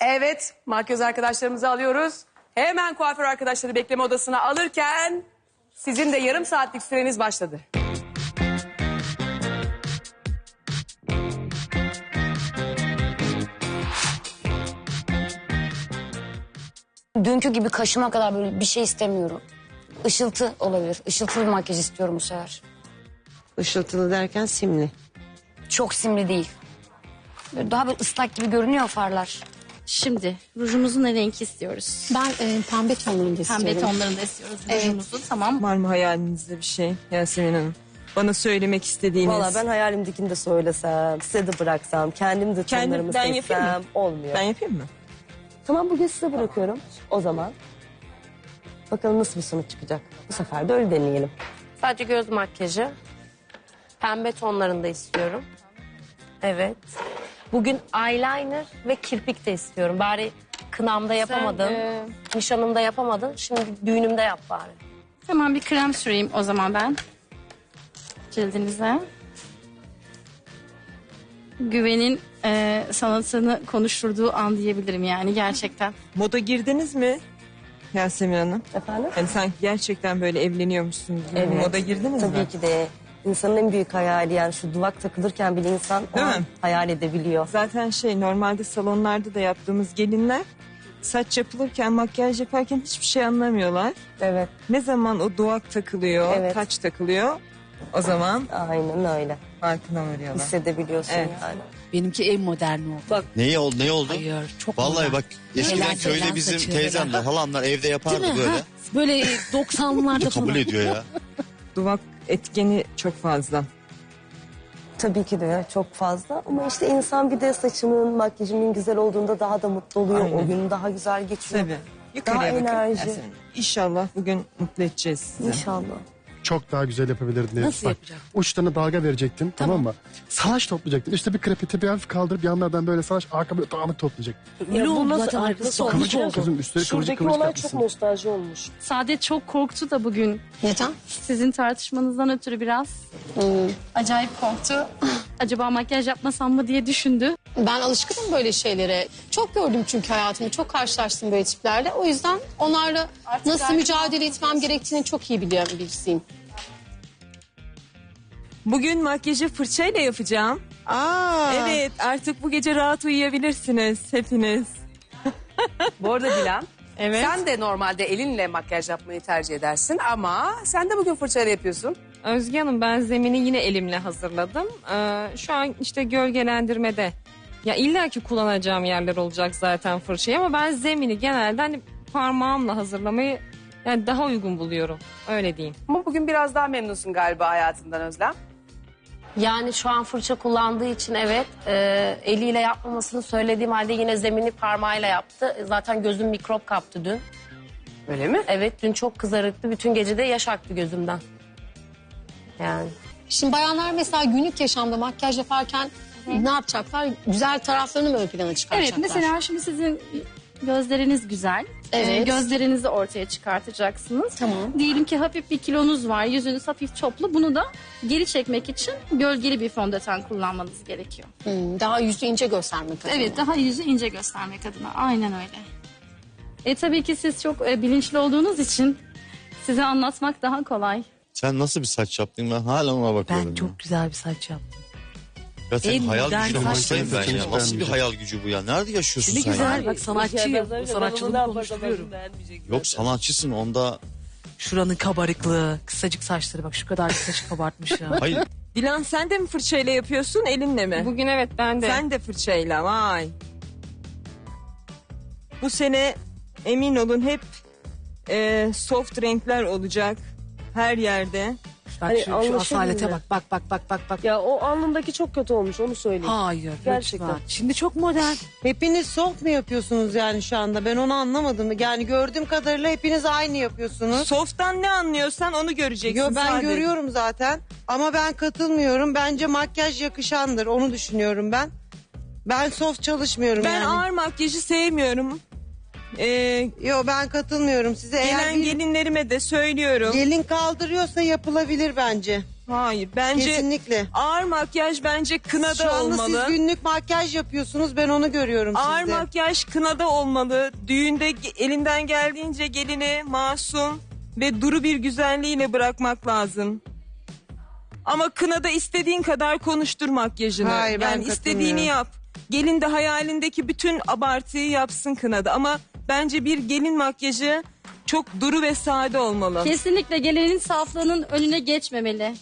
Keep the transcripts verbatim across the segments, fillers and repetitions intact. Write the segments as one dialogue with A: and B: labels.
A: Evet, makyöz arkadaşlarımızı alıyoruz. Hemen kuaför arkadaşları bekleme odasına alırken sizin de yarım saatlik süreniz başladı.
B: Dünkü gibi kaşıma kadar böyle bir şey istemiyorum. Işıltı olabilir. Işıltılı bir makyaj istiyorum bu sefer.
C: Işıltılı derken simli.
B: Çok simli değil. Böyle daha böyle ıslak gibi görünüyor farlar.
D: Şimdi rujumuzun ne renk istiyoruz?
E: Ben e, pembe tonlarında istiyorum.
D: Pembe tonlarında istiyoruz
E: Evet.
D: rujumuzu. Tamam.
F: Var mı hayalinizde bir şey Yasemin Hanım? Bana söylemek istediğiniz.
C: Valla ben hayalimdekini de söylesem, size de bıraksam, kendim de
F: Kendim-
C: tonlarımı
F: ben yapayım mı?
C: seçsem olmuyor.
F: Ben yapayım mı?
C: Tamam, bugün size bırakıyorum o zaman. Bakalım nasıl bir sonuç çıkacak. Bu sefer de öyle deneyelim.
G: Sadece göz makyajı. Pembe tonlarında istiyorum. Evet. Bugün eyeliner ve kirpik de istiyorum. Bari kınamda yapamadın.
D: e,
G: Nişanımda yapamadın. Şimdi düğünümde yap bari.
D: Hemen bir krem süreyim o zaman ben. Cildinize. Güven'in e, sanatını konuşturduğu an diyebilirim yani gerçekten.
F: Moda girdiniz mi Yasemin Hanım?
C: Efendim?
F: Hani sanki gerçekten böyle evleniyormuşsunuz gibi.
C: Evet.
F: Moda girdiniz mi?
C: Tabii ki de. İnsanın en büyük hayali, yani şu duvak takılırken bile insan o
F: Değil
C: an
F: mi?
C: hayal edebiliyor.
F: Zaten şey, normalde salonlarda da yaptığımız gelinler saç yapılırken, makyaj yaparken hiçbir şey anlamıyorlar.
C: Evet,
F: Ne zaman o duvak takılıyor,
C: Evet.
F: taç takılıyor, o zaman
C: aynen öyle.
F: farkına varıyorlar.
C: Hissedebiliyorsun
F: Evet.
C: yani.
E: Benimki en moderni oldu.
C: Bak,
H: Neyi oldu? Ne oldu?
E: Hayır, çok
H: Vallahi
E: modern.
H: bak eskiden
E: Helal
H: köyde
E: selam
H: bizim
E: saçı,
H: teyzemler, halamlar evde yapardı
E: Değil mi?
H: böyle.
E: Ha? Böyle doksanlarda
H: Kabul
E: falan.
H: ediyor ya.
F: Duvak etkeni çok fazla.
C: tabii ki de çok fazla ama işte insan bir de saçımın, makyajımın güzel olduğunda daha da mutlu oluyor.
F: Aynen.
C: O gün daha güzel geçiyor.
F: Tabii. Yukarıya
C: Daha
F: bakın
C: enerji.
F: Yasemin Hanım. İnşallah bugün mutlu edeceğiz sizi.
C: İnşallah.
I: Çok daha güzel yapabilirdin.
E: Nasıl
I: Bak,
E: yapacak?
I: uçlarına dalga verecektin, tamam, mı? Salaş toplayacaktın. İşte bir krepeti bir hafif kaldırıp yanlardan böyle salaş, arka böyle dağınık toplayacaksın.
E: Öyle oldu
C: nasıl-
E: zaten
C: Ay,
E: arkası
C: nasıl
E: olmuş.
C: olmuş?
I: Kıvırcık kızım, üstleri kıvırcık
C: Şuradaki
I: kıvırcık
C: olay çok
I: yapmışsın.
C: nostalji olmuş.
D: Saadet çok korktu da bugün.
E: Neden?
D: Sizin tartışmanızdan ötürü biraz. Acayip korktu. Acaba makyaj yapmasam mı diye düşündü.
E: Ben alışkınım böyle şeylere. Çok gördüm çünkü hayatımda. Çok karşılaştım böyle tiplerle. O yüzden onlarla nasıl mücadele etmem gerektiğini çok iyi biliyorum birisiyim.
F: Bugün makyajı fırçayla yapacağım.
C: Aa.
F: Evet, artık bu gece rahat uyuyabilirsiniz hepiniz.
A: Bu arada Dilan,
F: Evet.
A: sen de normalde elinle makyaj yapmayı tercih edersin ama sen de bugün fırçayla yapıyorsun.
J: Özge Hanım, ben zemini yine elimle hazırladım. Ee, şu an işte gölgelendirmede. Ya illaki kullanacağım yerler olacak zaten fırçayı ama ben zemini genelde hani parmağımla hazırlamayı yani daha uygun buluyorum. Öyle diyeyim.
A: Ama bugün biraz daha memnunsun galiba hayatından Özlem.
G: Yani şu an fırça kullandığı için evet. E, eliyle yapmamasını söylediğim halde yine zemini parmağıyla yaptı. Zaten gözüm mikrop kaptı dün.
A: Öyle mi?
G: Evet, dün çok kızarıktı. Bütün gece de yaş aktı gözümden. Yani.
E: Şimdi bayanlar mesela günlük yaşamda makyaj yaparken ne yapacaklar? Güzel taraflarını mı ön plana
D: Evet,
E: çıkaracaklar?
D: mesela şimdi sizin gözleriniz güzel.
E: Evet.
D: Ee, gözlerinizi ortaya çıkartacaksınız.
E: Tamam.
D: Diyelim ki hafif bir kilonuz var, yüzünüz hafif çoplu. Bunu da geri çekmek için gölgeli bir fondöten kullanmanız gerekiyor.
E: Hmm, daha yüzü ince göstermek adına.
D: Evet, daha yüzü ince göstermek adına. Aynen öyle. E tabii ki siz çok e, bilinçli olduğunuz için size anlatmak daha kolay.
H: Sen nasıl bir saç yaptın, ben hala ona bakıyorum.
E: Ben
H: ya.
E: çok güzel bir saç yaptım.
H: Ya senin
E: en
H: hayal
E: modern
H: gücüne
E: saç
H: hastayım ben
I: yapıyorsun.
H: ya. Nasıl bir hayal gücü bu ya? Nerede yaşıyorsun
E: Ne
H: sen
E: güzel
H: ya?
E: bak sanatçıyım. Bu sanatçılığımı konuşturuyorum.
H: Yok, sanatçısın onda.
E: Şuranın kabarıklığı, kısacık saçları bak şu kadar saçı kabartmış ya.
H: Hayır.
F: Dilan, sen de mi fırçayla yapıyorsun, elinle mi?
J: Bugün evet ben de.
F: Sen de fırçayla, vay. Bu sene emin olun hep e, soft renkler olacak her yerde.
E: Bak
C: Hani
E: şu, şu
C: anlaşılmıyor.
E: asalete bak bak bak bak bak bak.
C: Ya o alnındaki çok kötü olmuş, onu söyleyeyim.
E: Hayır
C: Gerçekten.
E: lütfen. Şimdi çok modern.
K: Hepiniz soft mu yapıyorsunuz yani şu anda? Ben onu anlamadım. Yani gördüğüm kadarıyla hepiniz aynı yapıyorsunuz.
F: Soft'tan ne anlıyorsan onu göreceksin.
K: Yo ben
F: sadece.
K: görüyorum zaten. Ama ben katılmıyorum. Bence makyaj yakışandır. Onu düşünüyorum ben. Ben soft çalışmıyorum
F: Ben
K: yani.
F: ağır makyajı sevmiyorum. Ee,
K: Yo ben katılmıyorum size. Eğer
F: gelen
K: bir
F: gelinlerime de söylüyorum.
K: gelin kaldırıyorsa yapılabilir bence.
F: Hayır bence
K: Kesinlikle.
F: ağır makyaj bence
K: Şu
F: kınada
K: anda
F: olmalı.
K: siz günlük makyaj yapıyorsunuz. Ben onu görüyorum
F: Ağır
K: sizde.
F: makyaj kınada olmalı. Düğünde ge- elinden geldiğince gelini masum ve duru bir güzelliğiyle bırakmak lazım. Ama kınada istediğin kadar konuştur makyajını.
K: Hayır, ben
F: yani istediğini
K: katılmıyorum.
F: yap. Gelin de hayalindeki bütün abartıyı yapsın kınada. Ama bence bir gelin makyajı çok duru ve sade olmalı.
D: Kesinlikle gelinin saflığının önüne geçmemeli.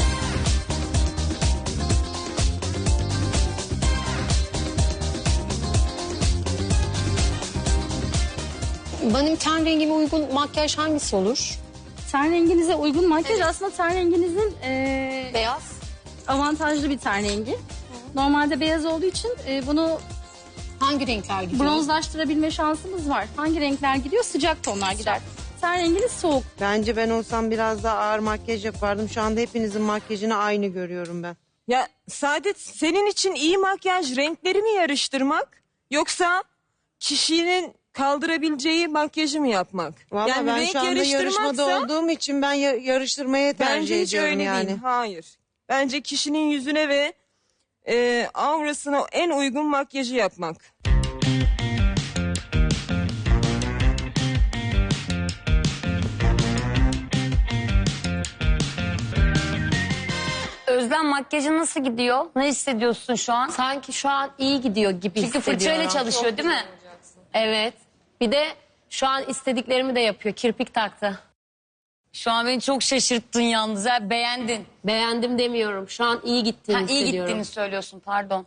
E: Benim ten rengime uygun makyaj hangisi olur?
D: Ten renginize uygun makyaj aslında ten renginizin eee,
E: Beyaz.
D: avantajlı bir ten rengi. Normalde beyaz olduğu için e, bunu
E: Hangi renkler gidiyor?
D: bronzlaştırabilme şansımız var. Hangi renkler gidiyor? Sıcak tonlar gider. Ten renginiz soğuk.
K: Bence ben olsam biraz daha ağır makyaj yapardım. Şu anda hepinizin makyajını aynı görüyorum ben.
F: Ya Saadet, senin için iyi makyaj renkleri mi yarıştırmak yoksa kişinin kaldırabileceği makyajı mı yapmak?
K: Valla
F: yani
K: ben
F: renk
K: şu anda yarışmada
F: yarıştırmaksa
K: olduğum için ben ya- yarıştırmaya tercih
F: bence hiç
K: ediyorum
F: öyle
K: yani.
F: değil. Hayır. Bence kişinin yüzüne ve e, aurasına en uygun makyajı yapmak.
B: Özlem makyajın nasıl gidiyor? Ne hissediyorsun şu an?
G: Sanki şu an iyi gidiyor gibi
B: Çünkü
G: hissediyorum.
B: fırçayla çalışıyor değil mi?
G: Evet. Bir de şu an istediklerimi de yapıyor. Kirpik taktı.
B: Şu an beni çok şaşırttın yalnız. Ha. Beğendin.
G: Beğendim demiyorum. Şu an iyi gittiğini
B: Ha, iyi
G: hissediyorum.
B: gittiğini söylüyorsun pardon.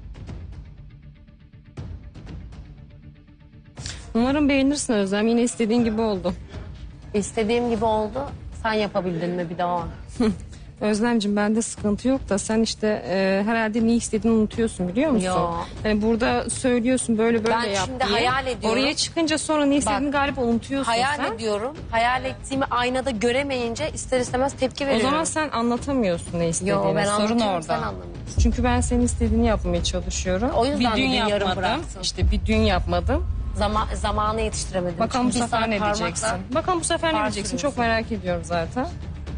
J: Umarım beğenirsin Özlem. Yine istediğin gibi oldu.
G: İstediğim gibi oldu. Sen yapabildin mi bir daha?
J: Özlemciğim bende sıkıntı yok da sen işte e, herhalde ne istediğini unutuyorsun biliyor musun?
G: Yo.
J: Hani burada söylüyorsun böyle böyle
G: Ben
J: yap
G: şimdi
J: diye.
G: hayal ediyorum.
J: Oraya çıkınca sonra ne istediğini galiba unutuyorsun
G: Hayal
J: sen.
G: ediyorum. Hayal ettiğimi aynada göremeyince ister istemez tepki
J: O
G: veriyorum.
J: zaman sen anlatamıyorsun ne istediğini.
G: Yo, ben
J: Sorun
G: anlatıyorum,
J: orada.
G: sen anlamıyorsun.
J: Çünkü ben senin istediğini yapmaya çalışıyorum.
G: O yüzden
J: bir dün
G: bugün yarım
J: yapmadım.
G: bıraktın.
J: İşte bir dün yapmadım.
G: Zaman, zamanı yetiştiremedim.
J: Bakalım bu
G: Çünkü bir
J: sefer
G: saat
J: ne
G: parmakla
J: diyeceksin? Bakalım bu sefer ne
G: far
J: diyeceksin?
G: sürüyorsun.
J: Çok merak ediyorum zaten.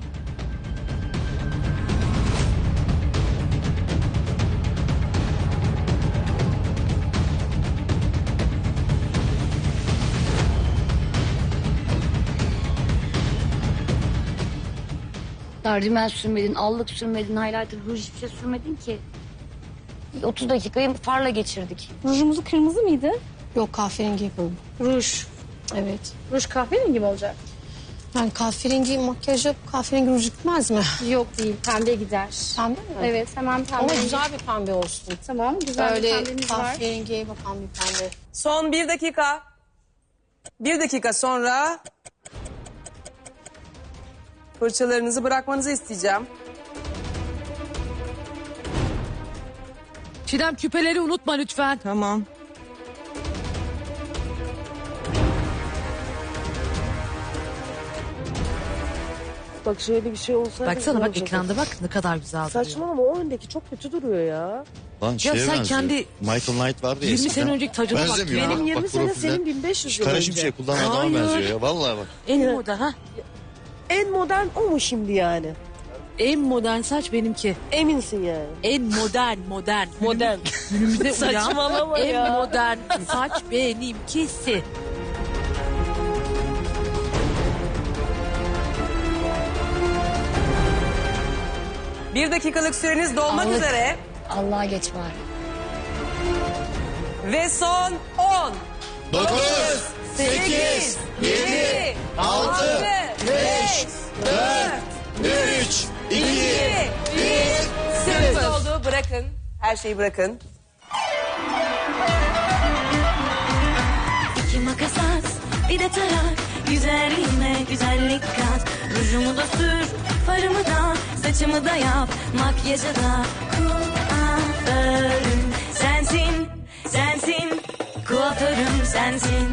B: Rimel sürmedin, allık sürmedin, highlighter, ruj hiçbir şey sürmedin ki. otuz dakikayı farla geçirdik.
D: Rujumuzu kırmızı mıydı?
E: Yok, kahverengi yapalım.
D: Ruj.
E: Evet.
D: Ruj kahverengi mi olacak?
E: Yani kahverengi makyaj yap, kahverengi ruj gitmez mi?
D: Yok değil. Pembe gider.
E: Pembe mi?
D: Evet hemen pembe.
E: Ama güzel bir pembe olsun.
D: Tamam güzel bir
E: Böyle
D: pembemiz var.
E: kahverengiye bakan bir pembe.
A: Son bir dakika. Bir dakika sonra fırçalarınızı bırakmanızı isteyeceğim.
L: Çiğdem küpeleri unutma lütfen.
F: Tamam.
C: Bak şöyle bir şey olsaydı.
L: Baksana bak
C: güzel
L: ekranda bak ne kadar güzel duruyor.
C: Saçmalama o öndeki çok kötü duruyor ya.
H: Lan
L: Ya
H: şeye
L: sen
H: benziyor.
L: kendi
H: Michael Knight vardı ya
L: yirmi
H: eskiden.
L: sene önceki tacına bak
H: Benzemiyor
L: ya.
H: ha.
C: Benim yirmi
H: Bak
C: sene
H: profilden.
C: senin bin beş yüz
H: Şu
C: yıl
H: kara
C: önce.
H: şimşek kullanan adama
L: Hayır.
H: benziyor ya. Vallahi bak.
L: En modern ha.
C: En modern o mu şimdi yani?
L: En modern saç benimki.
C: Eminsin yani.
L: En modern modern.
C: Modern.
L: Günümüze uyan
C: Saçmalama
L: en
C: ya.
L: modern saç benimkisi.
A: Bir dakikalık süreniz dolmak
B: Allık.
A: üzere.
B: Allah'a geç bari.
A: Ve son on,
H: Dokuz,
A: sekiz, yedi, altı, beş, dört,
H: üç,
A: iki, bir. Süreniz doldu. Bırakın. Her şeyi bırakın.
M: İki makas at, bir de tarak. Güzelliğime güzellik kat. Rujumu da sür, farımı da, saçımı da yap. Makyajı da kuaförüm sensin, sensin. Kuaförüm sensin.